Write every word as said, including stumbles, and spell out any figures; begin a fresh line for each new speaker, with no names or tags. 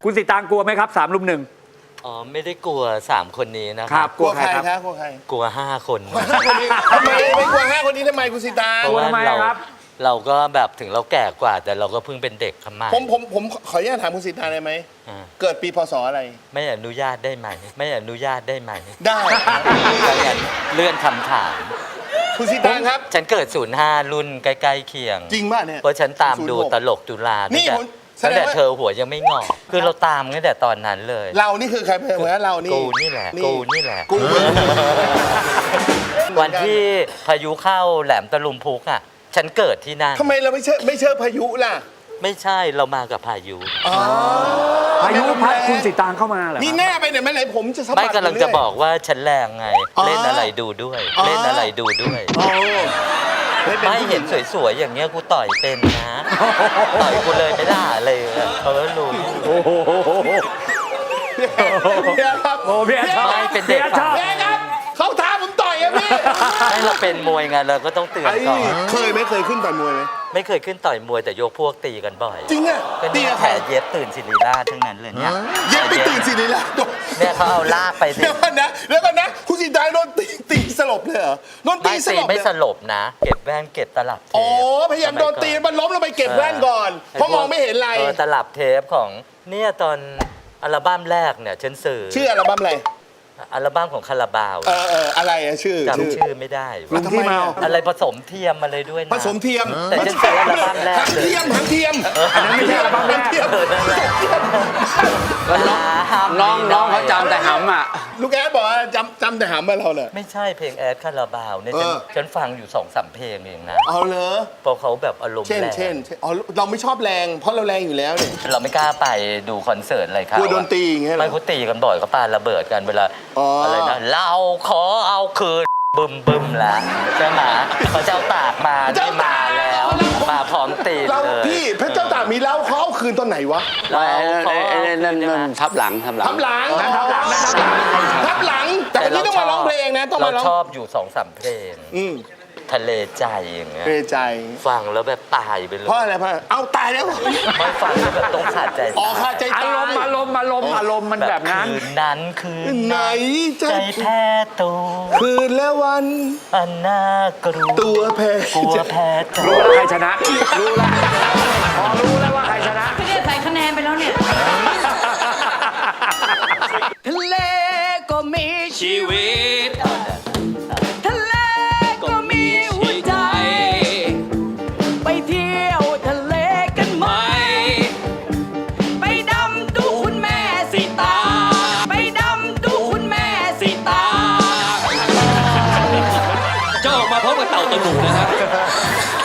คุณสิตางกลัวไหมครับสามลุมหนึ่ง
อ๋อไม่ได้กลัวสามคนนี้นะครับ
กลัวใครครับ
กลัวใคร
กลัวห้าคน
ห้าคนนี้ทำไมไม่กลัวห้าคนนี้ทำไมคุณสิตาง
เพราะว่าเราเราก็แบบถึงเราแก่กว่าแต่เราก็เพิ่งเป็นเด็กขมา
ผมผมผมขออนุญาตถามคุณสิตางได้ไหมเกิดปีพศอะไร
ไม่อนุญาตได้ไหมไม่อนุญาตได้ไหม
ได้
ดังนั้นเลื่อนคำถาม
คุณสิตางครับ
ฉันเกิดศูนย์ห้ารุ่นใกล้ๆเคียง
จริงป่ะเนี่ย
เพราะฉันตามดูตลกจุฬานี่ตั้งแต่เธอหัวยังไม่งอกคือเราตามตั้งแต่ตอนนั้นเลย
เรานี่คือใครเหมือนเรานี่
กูนี่แหละกูนี่แหละวันที่พายุเข้าแหลมตะลุมพุกอ่ะฉันเกิดที่นั่น
ทำไมเราไม่เชื่อไม่เชื่อพายุล่ะ
ไม่ใช่เรามากับพายุ
พายุพัดคุณสิตางเข้ามาเหรอ
นี่แน่ไปไหนไม่ไหนผมจะ
ไม่กำลังจะบอกว่าฉันแรงไงเล่นอะไรดูด้วยเล่นอะไรดูด้วยไม่เห็นสวยๆอย่างเงี้ยกูต่อยเป็นนะต่อยกูเลยไม่ได้เลยเขารู้
โอ้โหโอ้พี่
ไม่เป็นเด็ก
ชอบ
เขาท้าผมต่อยอะพี่
ไม่เราเป็นมวยไงเราก็ต้องเตือนก่อน
เคยไหมเคยขึ้นต่อยมวยไหม
ไม่เคยขึ้นต่อยมวยแต่ยกพวกตีกันบ่อย
จริงอะ
ตีแผลเย็บตื่นศิริราชทั้งนั้นเลยเนี่ย
เย็บไปตื่นศิริราช
เนี่ยเขาเอาลากไป
เดี๋ยวก่อนนะเดี๋ยวก่อนนะคุณสิตางโดนตีตีสลบเลยเหรอโดนตีสลบ
ไม่สลบนะเก็บแว่นเก็บตลับเทป
อ๋อพยายามโดนตีมันล้มลงไปเก็บแว่นก่อนเพราะมองไม่เห็นอะไร
ตลับเทปของเนี่ยตอนอัลบั้มแรกเนี่ยฉันสื่อ
ชื่ออัลบั้มอะไร
อัลบั้มของคาราบาว
เออเอออะไรอะชื่อ
จำชื่อไม่ได้
ทำไม
อะไรผสมเทียมมาเลยด้วยนะ
ผสมเทียม
แต่ฉันสื่ออัลบั้มแรก
ทั้งเทียมทั้งเทียม
อันนั้นไม่ใช่อัลบั้มแรก
น้อง
น้องเขาจำแต่หำอ่ะ
ลูกแอดบอกว่าจำจำแต่หำมาเราเลย
ไม่ใช่เพลงแอดคาราบาวเนี่ยฉันฟังอยู่สองสามเพลงเองนะ
เอาเลย
เพราะเขาแบบอารมณ์แรง
เช่นเช่นอ๋อเราไม่ชอบแรงเพราะเราแรงอยู่แล้วเนี่ย
เราไม่กล้าไปดูคอนเสิร์ตอะไรครับ
กลัวโดนตีอย่างเงี้ย
ไม่เขาตีกันบ่อยเขาปาระเบิดกันเวลาอะไรนะเราขอเอาคืนบึมบึมแล้วใช่ไหมพระเจ้าตากมาได้มาแล้วมาพร้อมตีเลย
พี่พระเจ้าตากมีเล่าเขาเอาคืนตอนไหนวะ
เราขอ
นั่นนั่นทับหลังทับหลัง
ทับหลังทับหลังทับหลังแต่วันนี้ต้องมาร้องเพลงนะต้องมาร้อง
เราชอบอยู่สองสามเพลงทะเลใจอย่างเงี้ย
ทะเลใจ
ฟังแล้วแบบตายไปเลย
เพราะอะไรเพราะเอาตายแล้ว
ไม่ฟังแล้วแบบต้องขาดใจ
อ๋อขาดใจ
อารมณ์อารมณ์อารมณ์อารมณ์มันแบบนั้น
คืนนั้นคืน
ไหน
ใจแพ้ตัว
คืนและวัน
อันน่ากลัว
ตัวแพ้
กลัวแพ้
รู้แล้วใครชนะรู้แล้วพอรู้แล้วว่าใครชนะ
พี่เนี่ยใส่คะแนนไปแล้วเนี่ยทะเลก็มีชีวิตทะเลก็มีหัวใจไปเที่ยวทะเลกันไหมไปดำดูคุณแม่สีตาไปดำดูคุณแม่สีตา
เจ้าออกมาพร้อมกับเต่าตะหนูนะครับ